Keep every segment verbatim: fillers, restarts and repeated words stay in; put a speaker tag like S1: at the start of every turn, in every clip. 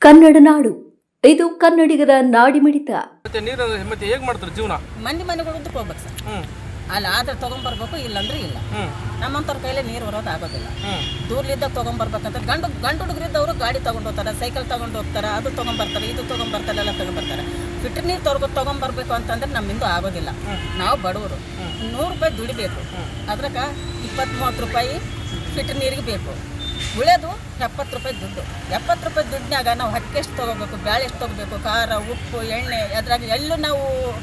S1: ಕನ್ನಡ ನಾಡು, ಇದು ಕನ್ನಡಿಗರ ನಾಡಿಮಿಡಿತ.
S2: ಮತ್ತೆ ನೀರು ಮತ್ತೆ ಹೇಗೆ ಮಾಡ್ತಾರೆ ಜೀವನ?
S3: ಮಂದಿ ಮನೆಗಳು ಉದ್ದಕ್ಕೆ ಹೋಗ್ಬೇಕು ಸರ್. ಅಲ್ಲಿ ಆದ್ರೆ ತೊಗೊಂಬರ್ಬೇಕು, ಇಲ್ಲಂದ್ರೆ ಇಲ್ಲ. ನಮ್ಮಂಥವ್ರ ಕೈಲೇ ನೀರು ಬರೋದು ಆಗೋದಿಲ್ಲ. ದೂರ್ಲಿದ್ದಾಗ ತೊಗೊಂಬರ್ಬೇಕಂತ ಗಂಡು ಗಂಡು ಹುಡುಗರಿದ್ದವರು ಗಾಡಿ ತೊಗೊಂಡು ಹೋಗ್ತಾರೆ, ಸೈಕಲ್ ತೊಗೊಂಡು ಹೋಗ್ತಾರೆ, ಅದು ತೊಗೊಂಬರ್ತಾರೆ, ಇದು ತೊಗೊಂಬರ್ತಾರೆ, ಎಲ್ಲ ತೊಗೊಂಬರ್ತಾರೆ. ಫಿಲ್ಟರ್ ನೀರು ತೊಗೊಂಡು ತೊಗೊಂಬರ್ಬೇಕು ಅಂತಂದ್ರೆ ನಮ್ಮಿಂದ ಆಗೋದಿಲ್ಲ. ನಾವು ಬಡವರು, ನೂರು ರೂಪಾಯಿ ದುಡಿಬೇಕು, ಅದ್ರಾಗ ಇಪ್ಪತ್ತು ಮೂವತ್ತು ರೂಪಾಯಿ ಫಿಲ್ಟರ್ ನೀರಿಗೆ ಬೇಕು. ಉಳಿಯೋದು ಎಪ್ಪತ್ತು ರೂಪಾಯಿ ದುಡ್ಡು. ಎಪ್ಪತ್ತು ರೂಪಾಯಿ ದುಡ್ಡಿನಾಗ ನಾವು ಹಕ್ಕಿ ಎಷ್ಟು ತೊಗೋಬೇಕು, ಬ್ಯಾಳೆ ಎಷ್ಟು ತೊಗೋಬೇಕು, ಖಾರ, ಉಪ್ಪು, ಎಣ್ಣೆ, ಅದ್ರಾಗ ಎಲ್ಲೂ ನಾವು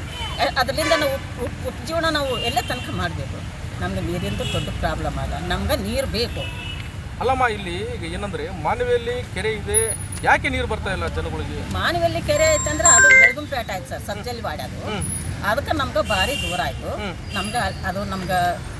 S3: ಅದರಿಂದ ನಾವು ಉಪ್ಪು ಉಪ್ಪು ಉಪ್ಪು ಜೀವನ ನಾವು ಎಲ್ಲೇ ತನಕ ಮಾಡಬೇಕು. ನಮ್ಗೆ ನೀರಿಂದು ದೊಡ್ಡ ಪ್ರಾಬ್ಲಮ್ ಅದ, ನಮ್ಗೆ ನೀರು ಬೇಕು.
S2: ಅಲ್ಲಮ್ಮ, ಇಲ್ಲಿ ಈಗ ಏನಂದ್ರೆ ಮಾನವಿಯಲ್ಲಿ ಕೆರೆ ಇದೆ, ಯಾಕೆ ನೀರು ಬರ್ತಾ ಇಲ್ಲ ಜನಗಳಿಗೆ?
S3: ಮಾನವಿಯಲ್ಲಿ ಕೆರೆ ಐತಂದ್ರೆ ಅದು ಬೆಳಗುಂಪೇಟೆ ಆಯ್ತು ಸರ್, ಸಬ್ಜಲ್ಲಿ ವಾಡ್ಯದು. ಅದಕ್ಕೆ ನಮ್ಗೆ ಭಾರಿ ದೂರ ಆಯಿತು. ನಮ್ಗೆ ಅದು ನಮ್ಗೆ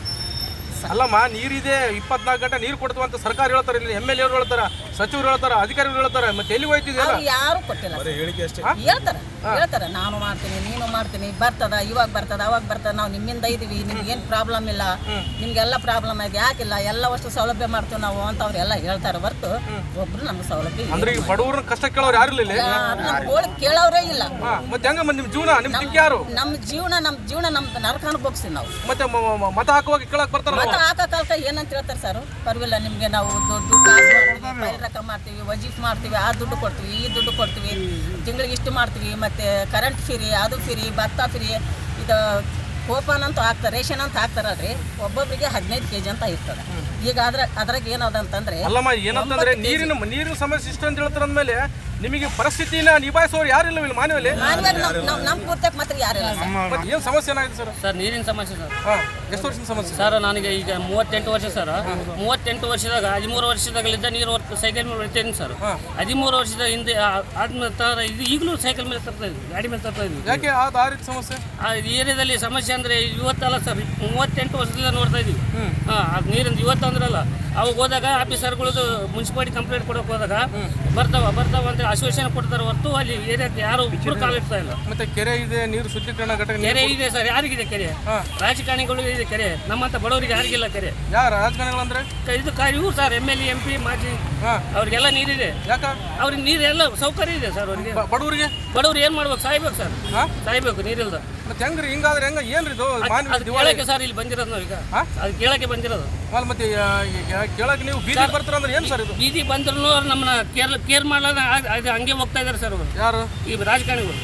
S2: ಅಲ್ಲಮ್ಮ, ನೀರಿದೆ, ಇಪ್ಪತ್ನಾಲ್ಕು ಗಂಟೆ ನೀರು ಕೊಡ್ತೀವಿ ಅಂತ ಸರ್ಕಾರ ಹೇಳ್ತಾರೆ, ಇಲ್ಲಿ ಎಮ್ ಎಲ್ ಎರು ಹೇಳ್ತಾರೆ, ಸಚಿವರು ಹೇಳ್ತಾರೆ, ಅಧಿಕಾರಿಗಳು ಹೇಳ್ತಾರೆ. ಮತ್ತೆ ಎಲ್ಲಿ ಹೋಯ್ತಿದೆಯಲ್ಲ,
S3: ಯಾರು ಕೊಟ್ಟಿಲ್ಲ. ಹೇಳ್ತಾರೆ ಹೇಳ್ತಾರೆ ನಾನು ಮಾಡ್ತೀನಿ, ನೀನು ಮಾಡ್ತೀನಿ, ಬರ್ತದ, ಇವಾಗ ಬರ್ತದ, ಅವಾಗ ಬರ್ತದ, ನಾವು ನಿಮ್ಮಿಂದ ಇದೀವಿ, ನಿಮ್ಗೆ ಏನು ಪ್ರಾಬ್ಲಮ್ ಇಲ್ಲ, ನಿಮ್ಗೆಲ್ಲ ಪ್ರಾಬ್ಲಮ್ ಆಗಿ ಯಾಕಿಲ್ಲ, ಎಲ್ಲ ಅಷ್ಟು ಸೌಲಭ್ಯ ಮಾಡ್ತೀವಿ ನಾವು ಅಂತ ಅವ್ರೆಲ್ಲ ಹೇಳ್ತಾರೆ ಹೊರತು ಒಬ್ರು ನಮ್ಗೆ ಸೌಲಭ್ಯ
S2: ಅಂದ್ರೆ ಈಗ ಬಡವ್ರ ಕಷ್ಟ ಕೇಳೋರು ಯಾರು ಇಲ್ಲ,
S3: ನಮ್ಗೆ ಕೇಳೋರೇ ಇಲ್ಲ.
S2: ಮತ್ತೆ ಹೆಂಗ ನಿಮ್ ಜೀವನ, ನಿಮ್ ದಿಕ್ಕ ಯಾರು?
S3: ನಮ್ಮ ಜೀವನ ನಮ್ಮ ಜೀವನ ನಮ್ ನರಕ ಅನುಭವಿಸ್ತೀವಿ ನಾವು.
S2: ಮತ್ತೆ ಮತ ಹಾಕುವಾಗ ಕೇಳಕ್ ಬರ್ತಾರ,
S3: ಮತ ಹಾಕ ಕಾಲಕ ಏನಂತ ಹೇಳ್ತಾರೆ ಸರ್, ಪರವಾಗಿಲ್ಲ ನಿಮ್ಗೆ ನಾವು ದುಡ್ಡು ಕಾಸು ಮಾಡ್ತೀವಿ, ಫೈಲ್ ರೊಕ್ಕ ಮಾಡ್ತೀವಿ, ವಜೀಫ್ ಮಾಡ್ತೀವಿ, ಆ ದುಡ್ಡು ಕೊಡ್ತೀವಿ, ಈ ದುಡ್ಡು ಕೊಡ್ತೀವಿ, ತಿಂಗಳಿಗೆ ಇಷ್ಟು ಮಾಡ್ತೀವಿ, ಮತ್ತೆ ಕರೆಂಟ್ ಫ್ರೀ, ಅದು ಫ್ರೀ, ಭತ್ತ ಫ್ರೀ, ಇದು ಕೋಪನ್ ಅಂತ ಹಾಕ್ತಾರೆ, ರೇಷನ್ ಅಂತ ಹಾಕ್ತಾರಲ್ರಿ, ಒಬ್ಬೊಬ್ಬರಿಗೆ ಹದಿನೈದು ಕೆಜಿ ಅಂತ ಇರ್ತದೆ. ಈಗ ಅದ್ರ ಅದ್ರಾಗ ಏನದಂತಂದ್ರೆ
S2: ಅಲ್ಲಮ್ಮ, ಏನಂತಂದ್ರೆ ನೀರಿನ ನೀರಿನ ಸಮಸ್ಯೆ ಇಷ್ಟ ಅಂತ ಹೇಳ್ತಾರ ಅಂದ್ಮೇಲೆ ನಿಮಗೆ ಪರಿಸ್ಥಿತಿನ ನಿಭಾಯಿಸೋರು ಯಾರಿಲ್ಲ ಇಲ್ಲಿ ಮಾನವಲ್ಲಿ.
S3: ನಮ್ಮ ಪೂರ್ತಕ್ಕೆ ಮಾತ್ರ ಯಾರಿಲ್ಲ ಸರ್.
S2: ಏನು ಸಮಸ್ಯೆ ಏನಾಗಿದೆ ಸರ್?
S4: ಸರ್ ನೀರಿನ ಸಮಸ್ಯೆ ಸರ್.
S2: ಎಷ್ಟು ವರ್ಷದ ಸಮಸ್ಯೆ
S4: ಸರ್? ನನಗೆ ಈಗ ಮೂವತ್ತೆಂಟು ವರ್ಷ ಸರ್. ಮೂವತ್ತೆಂಟು ವರ್ಷದಾಗ ಹದಿಮೂರು ವರ್ಷದಾಗಲಿದ್ದ ನೀರು ಸೈಕಲ್ ಮೇಲೆ ಹೊಡ್ತೇನೆ ಸರ್. ಹದಿಮೂರು ವರ್ಷದ ಹಿಂದೆ ಆದ್ಮೇಲೆ ತರ ಇದು ಈಗಲೂ ಸೈಕಲ್ ಮೇಲೆ ತರ್ತಾ ಇದ್ವಿ, ಗಾಡಿ ಮೇಲೆ ತರ್ತಾ ಇದ್ವಿ.
S2: ಯಾಕೆ ಆ ರೀತಿ ಸಮಸ್ಯೆ?
S4: ಆ ಏರಿಯಾದಲ್ಲಿ ಸಮಸ್ಯೆ ಅಂದರೆ ಇವತ್ತಲ್ಲ ಸರ್, ಮೂವತ್ತೆಂಟು ವರ್ಷದಿಂದ ನೋಡ್ತಾ ಇದ್ವಿ. ಹಾಂ, ಅದು ನೀರಿಂದ ಇವತ್ತು ಅಂದ್ರಲ್ಲ, ಅವಾಗ ಹೋದಾಗ ಆಫೀಸರ್ಗಳದ್ದು ಮುನ್ಸಿಪಾಲಿಟಿ ಕಂಪ್ಲೇಂಟ್ ಕೊಡೋಕೆ ಹೋದಾಗ ಬರ್ತಾವ ಬರ್ತಾವ ಅಂತ ಆಶ್ವಾಸನೆ ಕೊಡ್ತಾರೆ ಹೊರತು ಅಲ್ಲಿ ಏರಿಯಾಕ್ಕೆ ಯಾರು ಒಬ್ಬರು ಕಾಲಿಡ್ತಾ ಇಲ್ಲ.
S2: ಮತ್ತೆ ಕೆರೆ ಇದೆ, ನೀರು ಶುದ್ಧೀಕರಣ ಘಟಕ
S4: ಕೆರೆ ಇದೆ ಸರ್. ಯಾರಿಗಿದೆ ಕೆರೆ? ರಾಜಕಾರಣಿಗಳು ಇದೆ ಕೆರೆ, ನಮ್ಮಂತ ಬಡವರಿಗೆ ಯಾರಿಗಿಲ್ಲ ಕೆರೆ.
S2: ಯಾರು ರಾಜಕಾರಣಿಗಳು ಅಂದ್ರೆ? ಇದು
S4: ಇವು sir, M L M P ಮಾಜಿ, ಅವ್ರಿಗೆಲ್ಲ ನೀರಿದೆ.
S2: ಯಾಕ?
S4: ಅವ್ರಿಗೆ ನೀರೆಲ್ಲ ಸೌಕರ್ಯ ಇದೆ ಸರ್. ಅವ್ರಿಗೆ
S2: ಬಡವರಿಗೆ
S4: ಬಡವ್ರು ಏನ್ ಮಾಡ್ಬೇಕು? ಸಾಯ್ಬೇಕು ಸರ್, ಸಾಯ್ಬೇಕು ನೀರಿಲ್ದ.
S2: ಮತ್ತೆ ಹೆಂಗ್ರಿ ಹಿಂಗಾದ್ರೆ ಹೆಂಗ? ಏನ್ರಿ ಇದು
S4: ಕೇಳಕ್ಕೆ ಸರ್ ಇಲ್ಲಿ ಬಂದಿರೋದು ನಾವು ಈಗ, ಅದು ಕೇಳಕ್ಕೆ ಬಂದಿರೋದು.
S2: ಮತ್ತೆ ಕೇಳಕ್ಕೆ ನೀವು ಬೀದಿಗೆ ಬರ್ತಾರ ಅಂದ್ರೆ ಏನು ಸರ್ ಇದು?
S4: ಬೀದಿ ಬಂದ್ರು ನಮ್ಮನ್ನ ಕೇರ್ ಕೇರ್ ಮಾಡಲ್ಲ, ಅದು ಹಂಗೆ ಹೋಗ್ತಾ ಇದಾರೆ ಸರ್ ಅವರು.
S2: ಯಾರು?
S4: ಈ ರಾಜಕಾರಣಿಗಳು.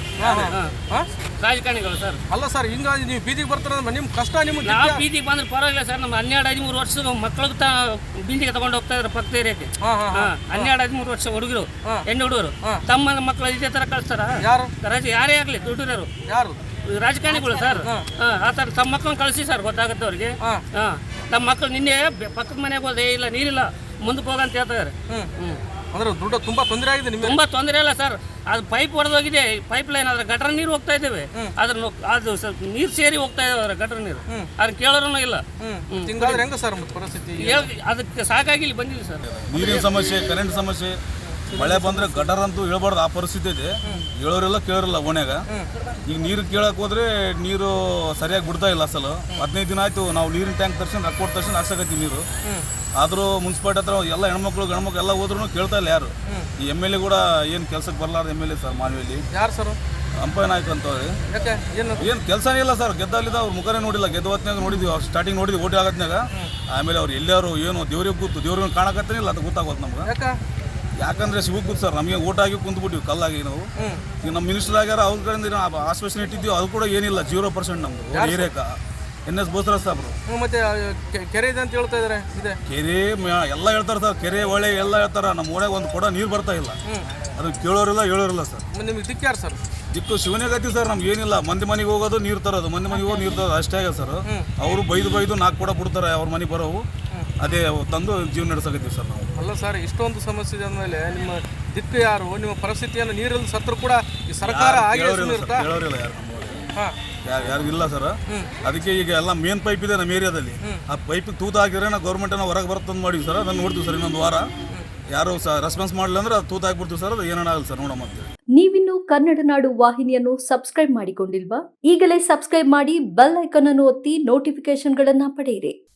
S4: ರಾಜಕಾರಣಿಗಳು ಸರ್.
S2: ಅಲ್ಲ ಸರ್, ಹಿಂಗಾಗಿ ನೀವು ಬೀದಿಗೆ ಬರ್ತಾರ ಅಂದ್ರೆ ನಿಮ್ ಕಷ್ಟ ನಿಮ್ಗೆ.
S4: ನಾವು ಬೀದಿಗೆ ಬಂದ್ರೆ ಪರವಾಗಿಲ್ಲ ಸರ್, ನಮ್ಮ ಹನ್ನೆರಡು ಹದಿಮೂರು ವರ್ಷದ ಮಕ್ಕಳಿಗೆ ತ ಬೀದಿಗೆ ತಗೊಂಡು ಹೋಗ್ತಾ ಇದಾರೆ ಪಕ್ಕ ಏರಿಯಾಕ್ಕೆ. ಹನ್ನೆರಡು ಹದಿಮೂರು ವರ್ಷ ಹುಡುಗರು, ಹೆಣ್ಣು ಹುಡುಗರು ತಮ್ಮ ಮಕ್ಕಳು ಇದೇ ತರ ಕಳಿಸ್ತಾರ?
S2: ಯಾರು?
S4: ರಾಜ ಯಾರೇ ಆಗ್ಲಿ, ದುಡ್ಡಿರೋರು
S2: ಯಾರು?
S4: ರಾಜಕಾರಣಿಗಳು ಸರ್. ಆ ಥರ ತಮ್ಮ ಮಕ್ಕಳನ್ನ ಕಳಿಸಿ ಸರ್, ಗೊತ್ತಾಗುತ್ತೆ ಅವ್ರಿಗೆ. ಹಾಂ, ನಮ್ಮ ಮಕ್ಕಳು ನಿನ್ನೆ ಪಕ್ಕದ ಮನೆಗೆ ಹೋದೆ, ಇಲ್ಲ ನೀರಿಲ್ಲ ಮುಂದಕ್ಕೆ ಹೋಗಂತ ಹೇಳ್ತಾರೆ. ಹ್ಞೂ,
S2: ಅಂದ್ರೆ ದುಡ್ಡು ತುಂಬಾ ತೊಂದರೆ ಆಗಿದೆ ನಿಮ್ಗೆ?
S4: ತುಂಬಾ ತೊಂದರೆ ಇಲ್ಲ ಸರ್. ಅದು ಪೈಪ್ ಹೊಡೆದೋಗಿದೆ, ಪೈಪ್ ಲೈನ್, ಅದ್ರ ಗಟರ್ ನೀರು ಹೋಗ್ತಾ ಇದ್ದೇವೆ, ಅದ್ರ ಅದು ನೀರು ಸೇರಿ ಹೋಗ್ತಾ ಇದಾವೆ ಗಟರ್ ನೀರು. ಅದನ್ನ ಕೇಳೋರು ಇಲ್ಲ.
S2: ಹಿಂಗಾದ್ರೆ ಹೆಂಗ ಸರ್ ಪರಿಸ್ಥಿತಿ?
S4: ಅದಕ್ಕೆ ಸಾಕಾಗಿ ಇಲ್ಲಿ ಬಂದಿಲ್ಲ ಸರ್.
S5: ನೀರಿನ ಸಮಸ್ಯೆ, ಕರೆಂಟ್ ಸಮಸ್ಯೆ, ಮಳೆ ಬಂದ್ರೆ ಗಟರ್ ಅಂತೂ ಹೇಳ್ಬಾರ್ದು, ಆ ಪರಿಸ್ಥಿತಿ ಇದೆ. ಹೇಳೋರೆಲ್ಲ ಕೇಳೋರಿಲ್ಲ ಓಣ್ಯಾಗ. ಈಗ ನೀರು ಕೇಳಕ್ ಹೋದ್ರೆ ನೀರು ಸರಿಯಾಗಿ ಬಿಡ್ತಾ ಇಲ್ಲ. ಅಸಲು ಹದಿನೈದು ದಿನ ಆಯ್ತು ನಾವು ನೀರಿನ ಟ್ಯಾಂಕ್ ತರ್ಸನ್ ರೊಕ್ಕ ಕೊಟ್ಟು ತರ್ಸನ್ ಹಾಕ್ಸಕತ್ತೀವಿ ನೀರು. ಆದರೂ ಮುನ್ಸಿಪಾಲ್ಟಿ ಹತ್ರ ಎಲ್ಲ ಹೆಣ್ಮಕ್ಳು ಗಂಡ್ಮಕ್ಳು ಎಲ್ಲ ಹೋದ್ರೂ ಕೇಳ್ತಾ ಇಲ್ಲ ಯಾರು. ಈ ಎಮ್ ಎಲ್ ಎ ಕೂಡ ಏನು ಕೆಲ್ಸಕ್ಕೆ ಬರಲಾರ್ದು ಎಮ್ ಎಲ್ ಎ ಸರ್ ಮಾನವಿಯಲ್ಲಿ.
S2: ಯಾರು ಸರ್?
S5: ಅಂಪೈ ನಾಯ್ಕ ಅಂತವ್ರಿ. ಏನು ಕೆಲಸನೇ ಇಲ್ಲ ಸರ್. ಗೆದ್ದಲ್ಲಿದ್ದ ಅವ್ರ ಮುಖನೇ ನೋಡಿಲ್ಲ. ಗೆದ್ದ ಹೊತ್ನಾಗ ನೋಡಿದ್ವಿ, ಅವ್ರು ಸ್ಟಾರ್ಟಿಂಗ್ ನೋಡಿದ್ವಿ ಓಟಿ ಆಗತ್ನಾಗ. ಆಮೇಲೆ ಅವ್ರು ಎಲ್ಲಾರು ಏನು ದೇವ್ರಿಗೆ ಕೂತು ದೇವ್ರಿಗೆ ಕಾಣಕತ್ತೇನಿಲ್ಲ, ಅದು ಗೊತ್ತಾಗೋದು ನಮ್ಗೆ. ಯಾಕಂದ್ರೆ ಸಿಗೋಕ್ ಕೂತು ಸರ್, ನಮಗೆ ಓಟ್ ಆಗಿ ಕುಂತ್ಬಿಟ್ಟಿವಿ ಕಲ್ಲಾಗಿ ನಾವು. ಈಗ ನಮ್ಮ ಮಿನಿಸ್ಟರ್ ಆಗ್ಯಾರ, ಅವ್ರ ಕಡೆಯಿಂದ ಆಶ್ವಾಸನೆ ಇಟ್ಟಿದ್ದೀವಿ, ಅದು ಕೂಡ ಏನಿಲ್ಲ. ಜೀರೋ ಪರ್ಸೆಂಟ್ ನಮ್ದು ಏರಿಯಾಕ. ಎನ್ ಎಸ್ ಬೋಸರಾಜ್ ಸಾಬ್ರು.
S2: ಮತ್ತೆ ಕೆರೆ ಇದೆ ಅಂತ ಹೇಳ್ತಾ ಇದಾರೆ. ಇದೆ
S5: ಕೆರೆ ಎಲ್ಲ ಹೇಳ್ತಾರೆ ಸರ್, ಕೆರೆ ಒಳ್ಳೆ ಎಲ್ಲ ಹೇಳ್ತಾರ. ನಮ್ಮ ಓಣ್ಯಾಗ ಒಂದು ಕೂಡ ನೀರು ಬರ್ತಾ ಇಲ್ಲ. ಅದನ್ನ ಕೇಳೋರಿಲ್ಲ ಹೇಳೋರಿಲ್ಲ ಸರ್.
S2: ನಿಮ್ಗೆ ದಿಕ್ಕ ಯಾರು ಸರ್?
S5: ದಿಕ್ಕು ಶಿವನೇ ಗತಿ ಸರ್. ನಮ್ಗೆ ಏನಿಲ್ಲ, ಮಂದಿ ಮನೆಗೆ ಹೋಗೋದು ನೀರು ತರೋದು, ಮಂದಿ ಮನೆಗೆ ಹೋಗಿ ನೀರು ತರೋದು ಅಷ್ಟೇ ಆಗ ಸರ್. ಅವರು ಬೈದು ಬೈದು ನಾಲ್ಕು ಕೂಡ ಬಿಡ್ತಾರೆ ಅವ್ರ ಮನೆಗೆ ಬರೋವು, ಅದೇ ತಂದು ಜೀವನ ನಡೆಸಕತ್ತೀವಿ ಸರ್ ನಾವು.
S2: ಅಲ್ಲ ಸರ್, ಇಷ್ಟೊಂದು ಸಮಸ್ಯೆ ಇದೆ ಅಂದಮೇಲೆ ನಿಮ್ಮ ದಿಕ್ಕು ಯಾರು? ನಿಮ್ಮ ಪರಿಸ್ಥಿತಿಯನ್ನು ನೀರಲ್ಲಿ ಸತ್ರು ಕೂಡ ಈ ಸರ್ಕಾರ
S5: ಹೇಳೋರಿಲ್ಲ ಯಾರು ಯಾರು ಯಾರಿಗಿಲ್ಲ ಸರ್. ಅದಕ್ಕೆ ಈಗ ಎಲ್ಲ ಮೇನ್ ಪೈಪ್ ಇದೆ ನಮ್ಮ ಏರಿಯಾದಲ್ಲಿ. ಆ ಪೈಪಿಗೆ ತೂತು ಹಾಕಿದ್ರೆ ನಾವು ಗೌರ್ಮೆಂಟನ್ನು ಹೊರಗೆ ಬರ್ತಂದು ಮಾಡಿವಿ ಸರ್. ಅದನ್ನು ನೋಡ್ತೀವಿ ಸರ್. ಇನ್ನೊಂದು ವಾರ ಯಾರು ಸಹ ರೆಸ್ಪಾನ್ಸ್ ಮಾಡಲಿಲ್ಲ ಅಂದ್ರೆ ಅದು ತೂತು ಹಾಕ್ಬಿಡ್ತೀವಿ ಸರ್. ಅದು ಏನಾಗಲ್ಲ ಸರ್, ನೋಡಮ್ಮ ಅಂತೇಳಿ.
S1: ನೀವಿನ್ನು ಕನ್ನಡ ನಾಡು ವಾಹಿನಿಯನ್ನು ಸಬ್ಸ್ಕ್ರೈಬ್ ಮಾಡಿಕೊಂಡಿಲ್ವಾ? ಈಗಲೇ ಸಬ್ಸ್ಕ್ರೈಬ್ ಮಾಡಿ, ಬೆಲ್ ಐಕಾನ್ ಅನ್ನು ಒತ್ತಿ ನೋಟಿಫಿಕೇಶನ್ಗಳನ್ನ ಪಡೆಯಿರಿ.